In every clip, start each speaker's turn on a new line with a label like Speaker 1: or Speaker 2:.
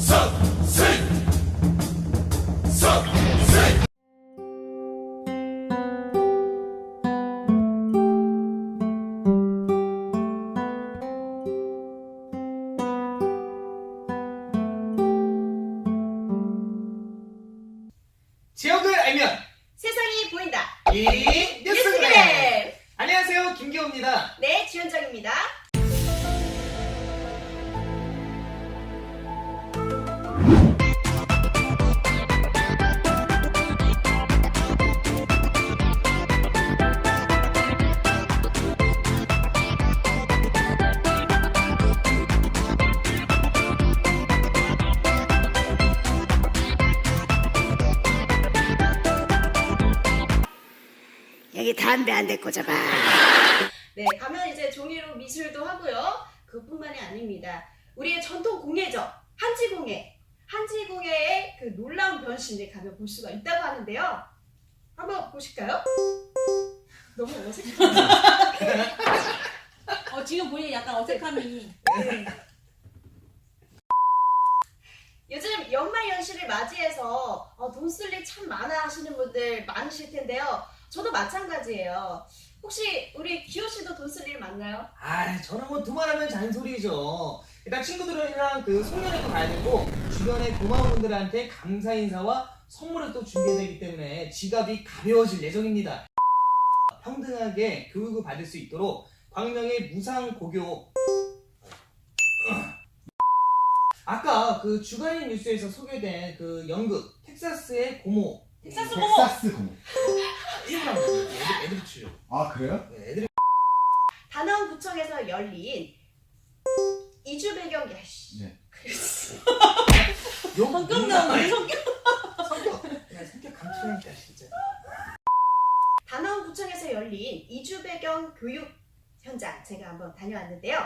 Speaker 1: 지역을 알면
Speaker 2: 세상이 보인다.
Speaker 1: 이 뉴스그램. 안녕하세요, 김기호입니다.
Speaker 2: 네, 지현정입니다.
Speaker 3: 여기 담배 한 대 꽂아봐.
Speaker 2: 네, 가면 이제 종이로 미술도 하고요. 그뿐만이 아닙니다. 우리의 전통 공예죠. 한지공예. 한지공예의 그 놀라운 변신을 가면 볼 수가 있다고 하는데요. 한번 보실까요? 너무 어색해요.
Speaker 4: 지금 보니 약간 어색함이.
Speaker 2: 네. 요즘 연말연시를 맞이해서 돈 쓸 일 참 많아 하시는 분들 많으실 텐데요. 저도 마찬가지예요. 혹시 우리 기호 씨도 돈 쓸 일 많나요?
Speaker 1: 저는 뭐 두말하면 잔소리죠. 일단 친구들이랑 그 송년회도 가야 되고 주변에 고마운 분들한테 감사 인사와 선물을 또 준비해야 되기 때문에 지갑이 가벼워질 예정입니다. 평등하게 교육을 받을 수 있도록 광명의 무상고교. 아까 그 주간인 뉴스에서 소개된 그 연극 텍사스의 고모.
Speaker 4: 텍사스
Speaker 5: 고모.
Speaker 1: 일부러 애들이 추려.
Speaker 5: 아 그래요?
Speaker 1: 네, 애들이.
Speaker 2: 단원구청에서 열린 이주 배경 야씨.
Speaker 5: 네.
Speaker 4: 성격 나오네.
Speaker 1: 성격 강추하니까 진짜.
Speaker 2: 단원구청에서 열린 이주 배경 교육 현장 제가 한번 다녀왔는데요.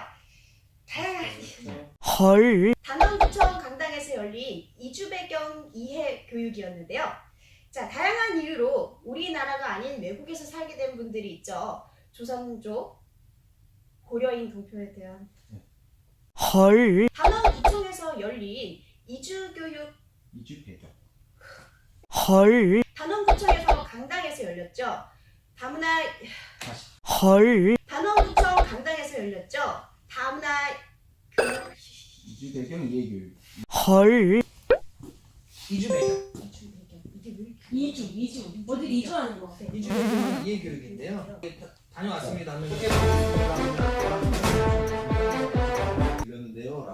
Speaker 3: 헐.
Speaker 2: 단원구청 강당에서 열린 이주 배경 이해 교육이었는데요. 자, 다양한 이유로 우리나라가 아닌 외국에서 살게 된 분들이 있죠. 조선족, 고려인 동표에 대한.
Speaker 3: 헐.
Speaker 2: 단원구청에서 열린 이주교육.
Speaker 5: 이주 배경.
Speaker 3: 헐.
Speaker 2: 단원구청에서 강당에서 열렸죠. 다문화.
Speaker 5: 다시.
Speaker 3: 헐.
Speaker 2: 단원구청 강당에서 열렸죠. 다문화.
Speaker 5: 이주 배경 이해교육.
Speaker 3: 헐.
Speaker 1: 이주 배경.
Speaker 4: 이주. 어딜 이주하는 거?
Speaker 1: 이주 배경 이해 교육인데요. 다녀왔습니다.
Speaker 5: 이랬는데요.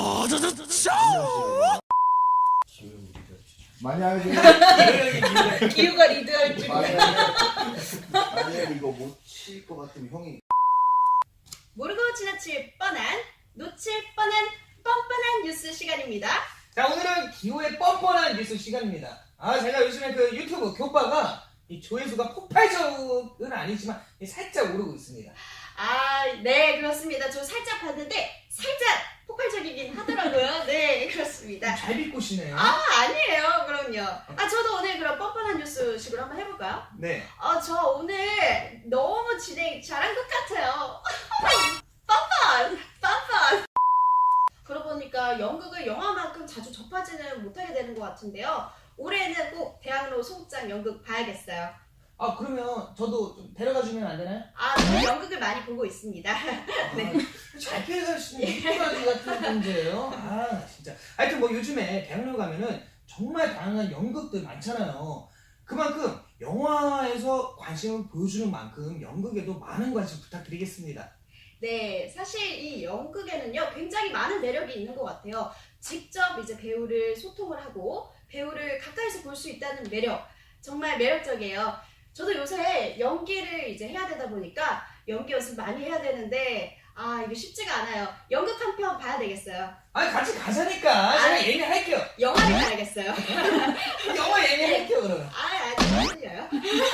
Speaker 5: 만약에
Speaker 2: 기후가 리드할 줄.
Speaker 5: 만약에 이거 못 칠 것 같으면 형이
Speaker 2: 모르고 지나칠 뻔한, 놓칠 뻔한, 뻔뻔한 뉴스 시간입니다.
Speaker 1: 자, 오늘은 기호의 뻔뻔한 뉴스 시간입니다. 제가 요즘에 그 유튜브 교과가 이 조회수가 폭발적은 아니지만 살짝 오르고 있습니다.
Speaker 2: 네, 그렇습니다. 저 살짝 봤는데 살짝 폭발적이긴 하더라고요. 네, 그렇습니다.
Speaker 1: 잘 비꼬시네요.
Speaker 2: 아니에요. 그럼요. 저도 오늘 그럼 뻔뻔한 뉴스식으로 한번 해볼까요?
Speaker 1: 네.
Speaker 2: 저 오늘 너무 진행 잘한 것 같아요. 뻔뻔. 그러고 보니까 연극을 영화만큼 자주 접하지는 못하게 되는 것 같은데요. 올해는 꼭 대학로 소극장 연극 봐야겠어요.
Speaker 1: 그러면 저도 좀 데려가주면 안 되나요?
Speaker 2: 저는 연극을 많이 보고 있습니다. 네.
Speaker 1: 잘 피해가시는 이쁘라지 같은 존재예요. 진짜. 하여튼 뭐 요즘에 대학로 가면은 정말 다양한 연극들 많잖아요. 그만큼 영화에서 관심을 보여주는 만큼 연극에도 많은 관심 부탁드리겠습니다.
Speaker 2: 네, 사실 이 연극에는요 굉장히 많은 매력이 있는 것 같아요. 직접 이제 배우를 소통을 하고 배우를 가까이서 볼 수 있다는 매력, 정말 매력적이에요. 저도 요새 연기를 이제 해야 되다 보니까 연기 연습 많이 해야 되는데 이게 쉽지가 않아요. 연극 한 편 봐야 되겠어요.
Speaker 1: 같이 가자니까. 제가 예매할게요.
Speaker 2: 영화를 봐야겠어요.
Speaker 1: 영화 예매할게요 그러면.
Speaker 2: 아직 안 들려요.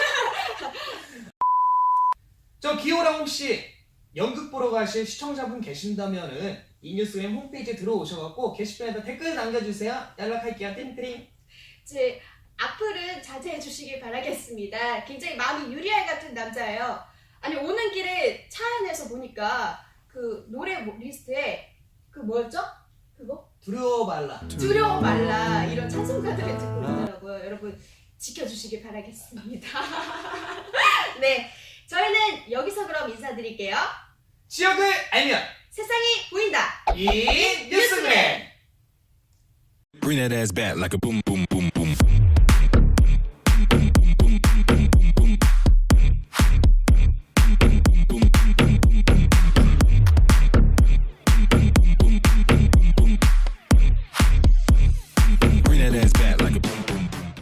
Speaker 1: 저 기호랑 혹시 연극 보러 가실 시청자분 계신다면은 이 뉴스그램 홈페이지에 들어오셔갖고 게시판에다 댓글 남겨주세요. 연락할게요. 띵띵.
Speaker 2: 제 악플은 자제해 주시길 바라겠습니다. 굉장히 마음이 유리알 같은 남자예요. 오는 길에 차 안에서 보니까 그 노래 리스트에 그 뭐였죠? 그거?
Speaker 1: 두려워 말라.
Speaker 2: 두려워 말라 이런 찬송가들을 듣고 있더라고요. 여러분 지켜주시길 바라겠습니다. 네, 저희는 여기서 그럼 인사드릴게요.
Speaker 1: 지역을 알면
Speaker 2: 세상이 보인다.
Speaker 1: 이 뉴스그램.
Speaker 6: Bring that ass back like a boom, boom, boom.